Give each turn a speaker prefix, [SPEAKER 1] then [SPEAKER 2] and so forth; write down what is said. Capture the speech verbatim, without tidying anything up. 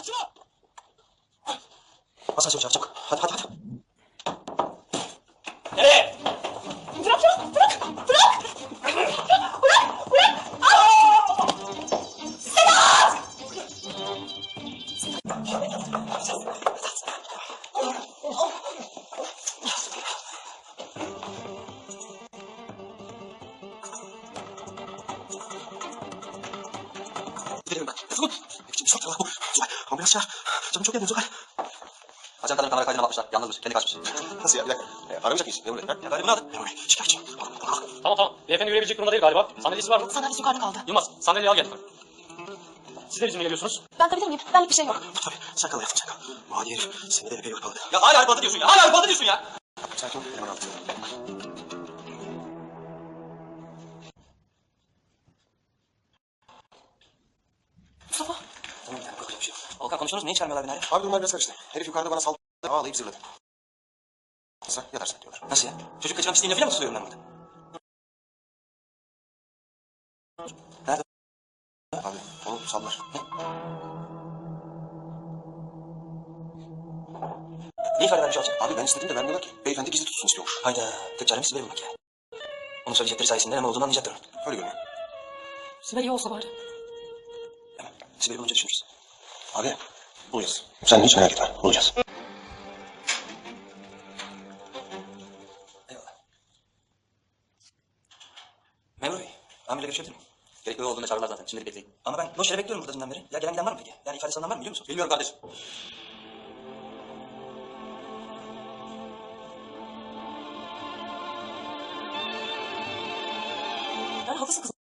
[SPEAKER 1] Aç şunu.
[SPEAKER 2] Bas çabuk çabuk çabuk. Hadi hadi hadi.
[SPEAKER 1] Nereye?
[SPEAKER 3] Bırak şunu. Bırak. Bırak. Bırak. Bırak. Aa! Sedat!
[SPEAKER 2] Gidelim ben. Dur. Şimdi çok var bu. Zuhal. Ambulans çağır. Canım çok yanıyor Zuhal. Ajan kadının kamera kaydına bakmışlar. Yalnızmış. Kendi kaçmış. Nasıl ya? Bir dakika. E, aramayacak mıyız? Memur Bey. Ha? Ya galiba ne adı? Memur Bey. Şikayetçi.
[SPEAKER 1] Tamam tamam. Beyefendi yürüyebilecek durumda değil galiba. Sandalyesi var mı?
[SPEAKER 3] Sandalyesi yukarıda kaldı.
[SPEAKER 1] Yılmaz, sandalyeyi al gel. Siz de bizimle geliyorsunuz.
[SPEAKER 3] Ben kalabilir miyim? Benlik bir şey yok.
[SPEAKER 2] Tabii. Sen kal hayatım sen kal. Mali herif. Seni de epey hırpaladı.
[SPEAKER 1] Ya hala hırpaladı diyorsun ya. Hala hırpaladı diyorsun ya.
[SPEAKER 2] Sakin ol. Hemen al.
[SPEAKER 3] Mustafa.
[SPEAKER 2] Tamam yani korkacak bir şey yok.
[SPEAKER 1] Volkan konuştunuz mu? Niye çağırmıyorlar beni hala?
[SPEAKER 2] Abi durumlar biraz karıştı. Herif yukarıda bana saldırdı. Ağlayıp zırladı. Sen yatarsın diyorlar.
[SPEAKER 1] Nasıl ya? Çocuk kaçırmak isteyince falan mı tutuyorum ben burada? Nerede?
[SPEAKER 2] Abi onu sallar.
[SPEAKER 1] Ne? Ne ifade vermiş olacak?
[SPEAKER 2] Abi ben istedim de vermiyorlar ki. Beyefendi gizli tutsun istiyormuş.
[SPEAKER 1] Hayda. Tek çaremiz Sibel bulmak ya. Onun söyleyecekleri sayesinde ne olduğunu anlayacaktır.
[SPEAKER 2] Öyle görünüyor.
[SPEAKER 3] Sibel iyi olsa bari.
[SPEAKER 1] Hemen. Sibel'i bulunca düşünürüz.
[SPEAKER 2] Abi bulacağız. Sen hiç merak etme. Bulacağız.
[SPEAKER 1] Eyvallah. Memur Bey, amirle görüşebilir miyim? Gerekli olduğunda çağırırlar zaten. Şimdilik bekleyin. Ama ben boş yere bekliyorum burada dünden beri. Ya gelen giden var mı peki? Yani ifade alınan var mı biliyor musun? Bilmiyorum kardeşim.
[SPEAKER 3] Yani haklısın kızım.